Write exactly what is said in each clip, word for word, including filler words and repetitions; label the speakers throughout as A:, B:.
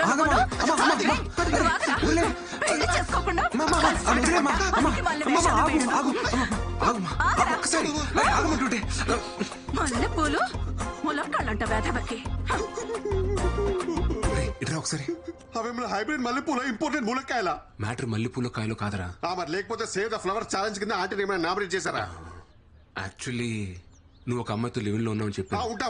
A: పెళ్లి చేసుకోకుండా మల్లె పూలు ములక్కాళ్ళంట వేధవకి.
B: ఇట్రా ఒకసారి.
C: అవేమన్నా హైబ్రిడ్ మల్లెపూల ఇంపోర్టెడ్ ములక్కాయల?
B: మ్యాటర్ మల్లెపూల కాయలు కాదరా.
C: మరి లేకపోతే సేవ్ ద ఫ్లవర్ ఛాలెంజ్ కింద ఆంటీ ఏమైనా నామినేట్ చేశారా?
B: యాక్చువల్లీ నువ్వు ఒక అమ్మాయితో లివింగ్ లో ఉన్నావు చెప్పి
C: ఉంటాం.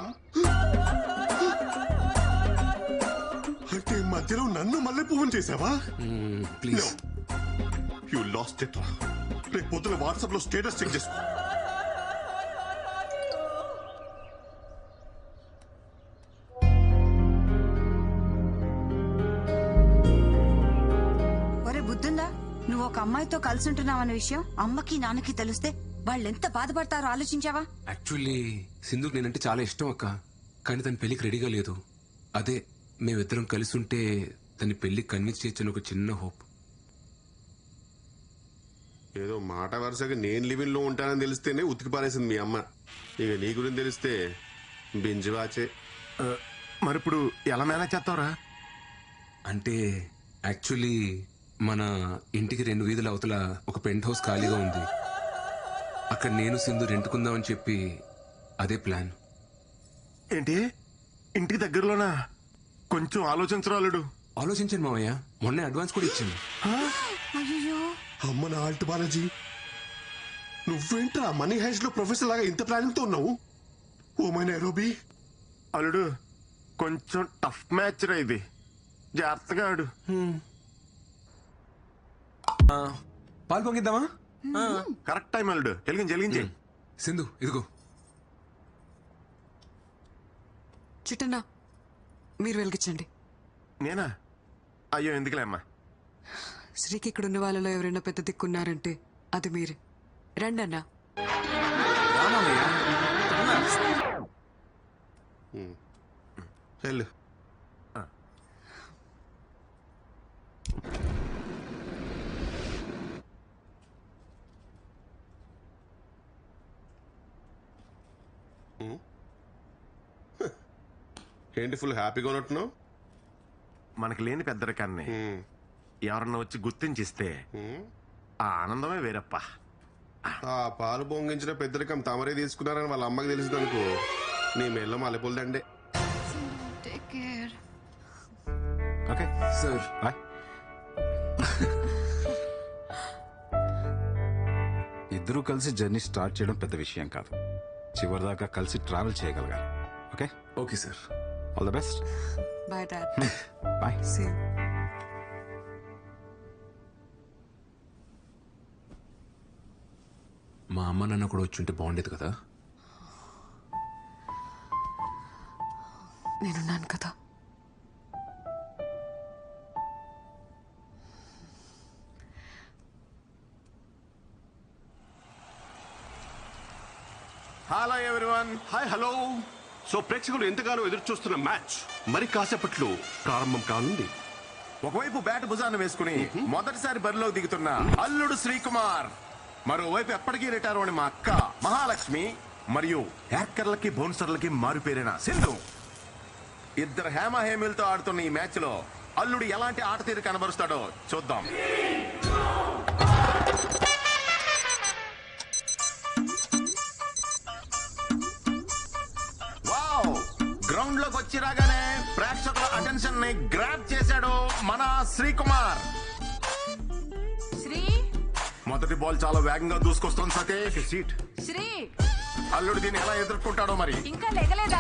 C: అంటే మధ్యలో నన్ను మల్లె పువ్వుని చేసావా?
B: ప్లీజ్.
C: యు లాస్ట్ ఇట్ రా. రేపు పొద్దున వాట్సాప్ లో స్టేటస్ చెక్ చేసుకో.
A: ఒరే బుద్ధుందా, నువ్వు ఒక అమ్మాయితో కలిసి ఉంటున్నావన్న విషయం అమ్మకి నాన్నకి తెలిస్తే వాళ్ళెంత బాధపడతారో ఆలోచించావా?
B: యాక్చువల్లీ సింధుకు నేనంటే చాలా ఇష్టం అక్క, కానీ తన పెళ్లికి రెడీగా లేదు. అదే మేమిద్దరం కలిసి ఉంటే తన పెళ్లి కన్విన్స్ చేయొచ్చని ఒక చిన్న హోప్.
C: ఏదో మాట వరుసగా నేను లివింగ్ లో ఉంటానని తెలిస్తేనే ఉతికి పారేసింది మీ అమ్మ. ఇక నీ గురించి తెలిస్తే బింజువాచే.
D: మరి ఇప్పుడు ఎలా మేనేజ్ చేస్తావురా?
B: అంటే యాక్చువల్లీ మన ఇంటికి రెండు వీధుల అవతల ఒక పెంట్ హౌస్ ఖాళీగా ఉంది. అక్కడ నేను సింధు రెంటుకుందామని చెప్పి అదే ప్లాన్.
D: ఏంటి ఇంటికి దగ్గరలోనా? కొంచెం ఆలోచించరాలుడు.
B: ఆలోచించాను మావయ్య, మొన్నే అడ్వాన్స్ కూడా ఇచ్చాను.
C: అమ్మ నా ఆల్ట్ బాలాజీ, నువ్వేంట్రా మనీ హైస్ట్ లో ప్రొఫెసర్ లాగా ఇంత ప్లానింగ్ తో ఉన్నావు? Oh my Nairobi.
D: అల్లుడు కొంచెం టఫ్ మ్యాచ్ రా ఇది, జాగ్రత్తగా ఆడు.
B: పాలు పొంగిద్దామా?
D: కరెక్ట్ టైం అల్లుడు. వెలిగించి వెలిగించి.
B: సింధు ఇదిగో.
E: చిట్టన్నా మీరు వెలిగించండి.
D: నేనా? అయ్యో ఎందుకులే అమ్మా.
E: శ్రీకి ఇక్కడ ఉన్న వాళ్ళలో ఎవరైనా పెద్ద దిక్కున్నారంటే అది మీరే. రండి అన్నా.
C: వెళ్ళు. ఏంటి ఫుల్ హ్యాపీగా ఉన్నట్టున్నావు?
D: మనకి లేని పెద్దరికాన్ని ఎవరన్నా వచ్చి గుర్తించిస్తే ఆ ఆనందమే వేరప్ప.
C: ఆ పాలు పొంగించిన పెద్దరికం తమరే తీసుకున్నారని వాళ్ళ అమ్మకి తెలిసింది అనుకో, నీ మెల్ల మల్లెపూలదండే.
D: Okay
B: sir
D: bye.
F: ఇద్దరూ కలిసి జర్నీ స్టార్ట్ చేయడం పెద్ద విషయం కాదు, చివరిదాకా కలిసి ట్రావెల్ చేయగలగాలి. Okay
B: okay sir.
F: All the best.
E: Bye dad.
F: Bye.
E: Same.
B: మా అమ్మ నాన్న కూడా వచ్చి ఉంటే బాగుండేది కదా.
E: నేనున్నాను కదా.
C: Hello everyone. Hi hello. So ప్రేక్షకులు ఎంతగానో ఎదురు చూస్తున్న మ్యాచ్ మరి కాసేపట్లో ప్రారంభం కానుంది.
D: ఒకవైపు బ్యాట్ భుజాన్ని వేసుకుని మొదటిసారి బరిలో దిగుతున్న అల్లుడు శ్రీకుమార్, మరోవైపు ఎప్పటికీ రిటైర్ అని మా అక్క మహాలక్ష్మి, మరియు హ్యాకర్లకి బౌన్సర్లకి మారుపేరిన సింధు. ఇద్దరు హేమ హేమిలతో ఆడుతున్న ఈ మ్యాచ్ లో అల్లుడు ఎలాంటి ఆట తీరు కనబరుస్తాడో చూద్దాం. గ్రౌండ్ లోకి వచ్చి రాగానే ప్రేక్షకుల అటెన్షన్ ని గ్రాబ్ చేశాడు మన శ్రీకుమార్.
A: శ్రీ
D: మొదటి బాల్ చాలా వేగంగా దూసుకొస్తుంది సతీష్. సీట్
A: శ్రీ
D: అల్లుడు దీన్ని ఎలా ఎదుర్కొంటాడో మరి.
A: ఇంకా లేగలేదా?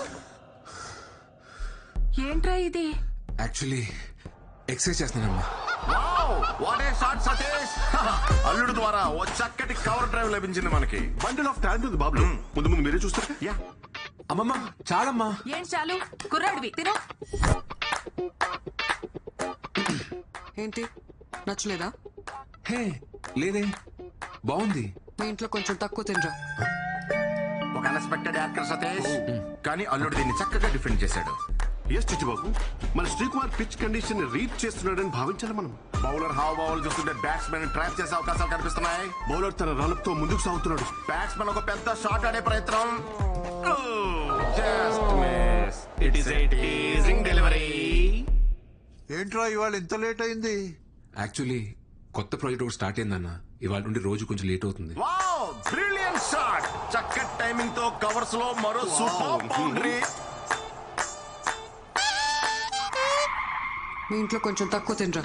A: ఏంట్రా ఇది?
B: యాక్చువల్లీ ఎక్సర్సైజ్ చేస్తున్నానమ్మా.
D: What a shot Satish. అల్లుడు ద్వారా ఓ చక్కటి కవర్ డ్రైవ్ లభించింది మనకి.
C: బండిల్ ఆఫ్ టాలెంట్ ఉంది బాబు. ముందు ముందు మీరే చూస్తారు.
D: యా
B: అమ్మమ్మ చాలమ్మా.
A: ఏం చాలు? కుర్రాడివి తిను.
E: ఏంటి నచ్చలేదా?
B: హే లేదే, బాగుంది.
E: మీ ఇంట్లో కొంచెం తక్కువ తినరా.
D: ఒక అన్ఎక్స్పెక్టెడ్ యాక్టర్ సతీష్, కానీ అల్లుడు దీన్ని చక్కగా డిఫెండ్ చేశాడు.
C: ఎస్ చిట్టిబాబు, మన శ్రీకుమార్ పిచ్ కండిషన్ రీడ్ చేస్తున్నాడని భావించాలి మనం.
D: బౌలర్ హావ్ బౌల్ చూస్తుంటే బ్యాట్స్మెన్ ట్రాప్ చేసే అవకాశాలు కనిపిస్తున్నాయి.
C: బౌలర్ తన రాళ్ళతో ముందుకు సాగుతున్నాడు.
D: బ్యాట్స్మెన్ ఒక పెద్ద షాట్ ఆడే ప్రయత్నం. Just miss. It is a teasing delivery.
G: ఏంట్రా ఇవాళ ఇంత లేట్ అయింది?
B: యాక్చువల్లీ కొత్త ప్రాజెక్ట్ ఒకటి స్టార్ట్ అయిందన్న, ఇవాళ నుండి రోజు కొంచెం లేట్ అవుతుంది.
D: Wow brilliant shot. చక్కటి టైమింగ్ తో కవర్స్ లో మరో సూపర్ బౌండరీ.
E: మీ ఇంట్లో కొంచెం తక్కువ తినరా.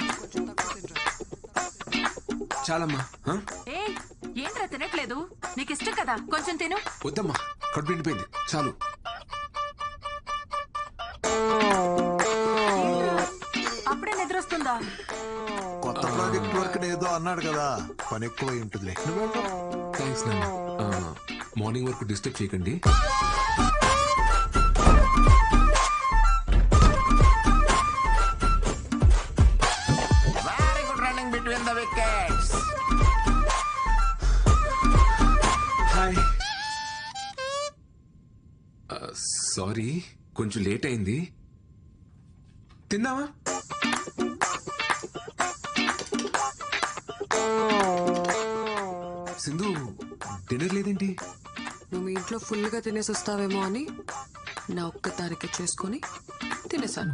B: చాలమ్మా. హ?
H: ఏ ఏంట్రా తినట్లేదు? నీకు ఇష్టం కదా, కొంచెం తిను.
B: వద్దమ్మా, కడుపు నిండిపోయింది, చాలు.
H: అప్పుడే నిద్రొస్తుందా?
G: కొత్త ప్రాజెక్ట్ వర్క్ ఏదో అన్నాడు కదా, పని ఎక్కువ ఉంటుందిలే.
B: థ్యాంక్స్ నాన్న. మార్నింగ్ వరకు డిస్టర్బ్ చేయకండి.
D: Very good running between the wickets.
B: Hi. Sorry, కొంచెం లేట్ అయింది. తిన్నావా? సింధు, డిన్నర్ లేదేంటి?
E: నువ్వు మీ ఇంట్లో ఫుల్గా తినేసి వస్తావేమో అని నా ఒక్క తారీఖు చేసుకొని తినేసాను.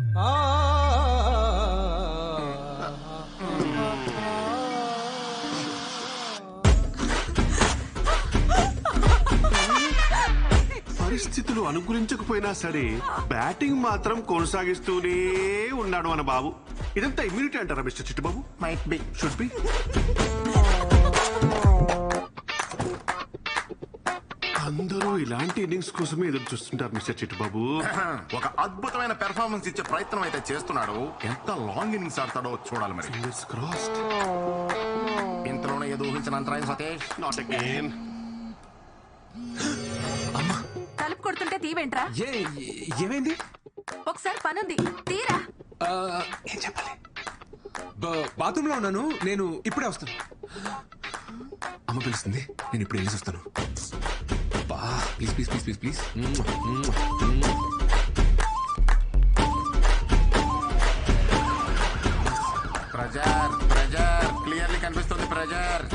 C: పరిస్థితులు అనుకూలించకపోయినా సరే బ్యాటింగ్ మాత్రం కొనసాగిస్తూనే ఉన్నాడు మన బాబు. ఇదంతా ఇమ్యూనిటీ అంటారా mister Chittibabu?
D: Might be.
C: Should be. అందరూ ఇలాంటి ఇన్నింగ్స్ కోసమే ఎదురు చూస్తుంటారు మిస్టర్ చిట్టుబాబు.
D: ఒక అద్భుతమైన పెర్ఫార్మెన్స్ ఇచ్చే ప్రయత్నం అయితే చేస్తున్నాడు. ఎంత లాంగ్ ఇన్నింగ్స్ ఆడతాడో చూడాలి మరి.
C: Fingers crossed.
D: ఇంతలోనే ఏదో ఊహించిన అంతరాయం సతీష్.
C: Not again.
H: తలుపు కొడుతుంటే తీవేంట్రా?
B: ఏ ఏమైంది?
H: ఒకసారి పనుంది, తీరా.
B: ఆ, ఏం చెప్పాలి? బాత్రూమ్ లో ఉన్నాను, నేను ఇప్పుడే వస్తాను. అమ్మ పిలుస్తుంది, నేను ఇప్పుడు వెళ్ళేసి వస్తాను. Please please please please please.
D: Pressure pressure clearly కనిపిస్తుంది ప్రెజర్.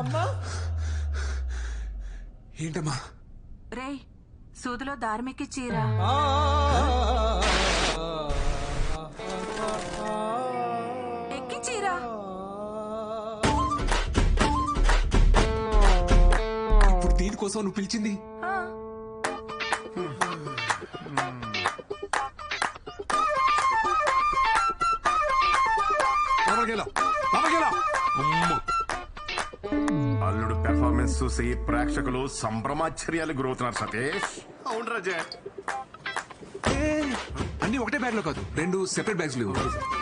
B: ఏంటమ్మా?
H: రేయ్, సూదిలో దార్మికి చీరా. ఎక్కి చీరా.
B: ఇప్పుడు దీనికోసం నువ్వు పిలిచింది?
H: ఆ,
D: అల్లుడు పెర్ఫార్మెన్స్ చూసి ప్రేక్షకులు సంభ్రమాశ్చర్యాలు గురవుతున్నారు సతీష్.
C: అవును రాజా.
B: అన్ని ఒకటే బ్యాగ్ లో కాదు, రెండు సెపరేట్ బ్యాగ్స్ లేవు.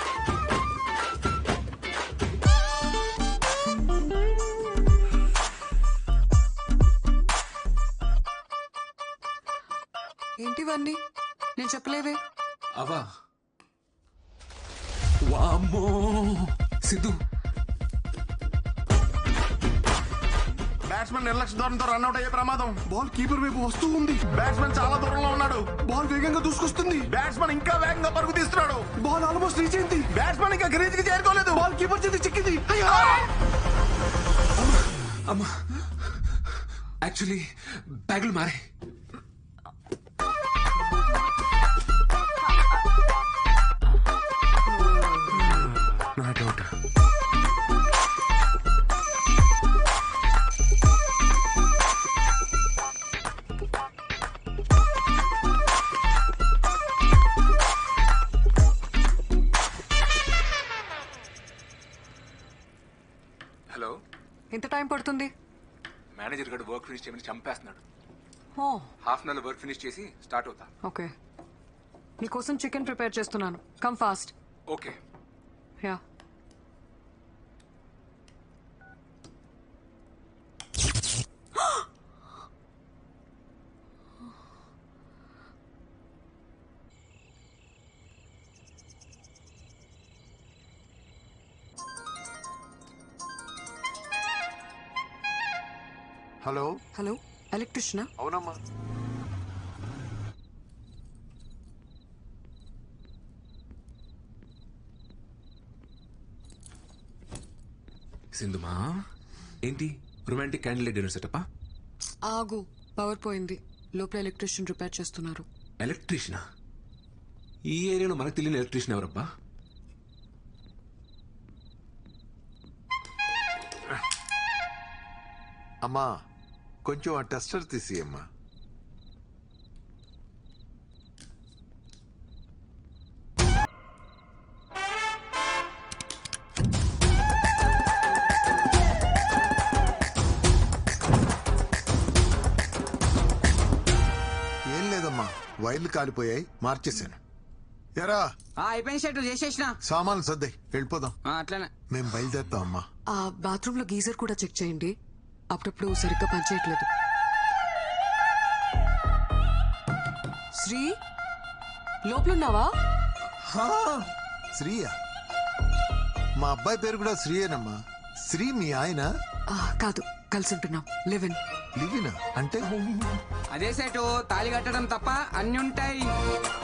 E: ఏంటివన్నీ? నేను చెప్పలేవే.
B: అవా, వామ్మో సిద్ధు.
D: బ్యాట్స్మెన్ నిర్లక్ష్య ధోరణితో రన్అట్ అయ్యే ప్రమాదం.
C: బాల్ కీపర్ వైపు వస్తూ ఉంది.
D: బ్యాట్స్మెన్ చాలా దూరంలో ఉన్నాడు.
C: బాల్ వేగంగా దూసుకొస్తుంది.
D: బ్యాట్స్మెన్ ఇంకా వేగంగా పరుగు తీస్తున్నాడు.
C: బాల్ ఆల్మోస్ట్ రీచ్ అయింది.
D: బ్యాట్స్మెన్ ఇంకా గ్రీజ్ కి చేరుకోలేదు.
C: బాల్ కీపర్ చేతి చిక్కింది.
B: అమ్మా, యాక్చువల్లీ బ్యాగులు మారే.
C: నా డౌట్.
B: హలో,
E: ఎంత టైం పడుతుంది?
B: మేనేజర్ గడు వర్క్ ఫినిష్ చేయమని చంపేస్తున్నాడు.
E: ఓ,
B: half an hour work finish చేసి స్టార్ట్ అవుతా.
E: ఓకే. నీకోసం చికెన్ ప్రిపేర్ చేస్తున్నాను. Come fast.
B: Okay.
E: Ya.
G: Hello
E: hello, ఎలక్ట్రిషనా?
G: అవునమ్మా.
B: సింధుమా, ఏంటి రొమాంటిక్ క్యాండిల్ డిన్నర్ సెటప్పా?
E: ఆగు, పవర్ పోయింది. లోపల ఎలక్ట్రిషియన్ రిపేర్ చేస్తున్నారు.
B: ఎలక్ట్రీషియనా? ఈ ఏరియాలో మనకు తెలియని ఎలక్ట్రీషియన్ ఎవరబ్బా?
G: అమ్మా కొంచెం ఆ టెస్టర్ తీసి అమ్మా. ఏం లేదమ్మా, వైర్లు కాలిపోయాయి, మార్చేశాను. ఎరా
I: అయిపోయిన షర్టు చేసేసిన
G: సామాన్లు సర్దాయి, వెళ్ళిపోదాం.
I: అట్లనే
G: మేము బయలుదేరుతాం అమ్మా.
E: ఆ బాత్రూమ్ లో గీజర్ కూడా చెక్ చేయండి, అప్పుడప్పుడు సరిగ్గా పనిచేయట్లేదు. శ్రీ లోపలున్నావా?
G: శ్రీయా? మా అబ్బాయి పేరు కూడా శ్రీయేనమ్మా. శ్రీ మీ ఆయన?
E: ఆ, కాదు, కలిసి ఉంటున్నాం. లివిన్.
G: లివినా అంటే?
I: అదే సెటు తాళి కట్టడం తప్ప అన్ని ఉంటాయి.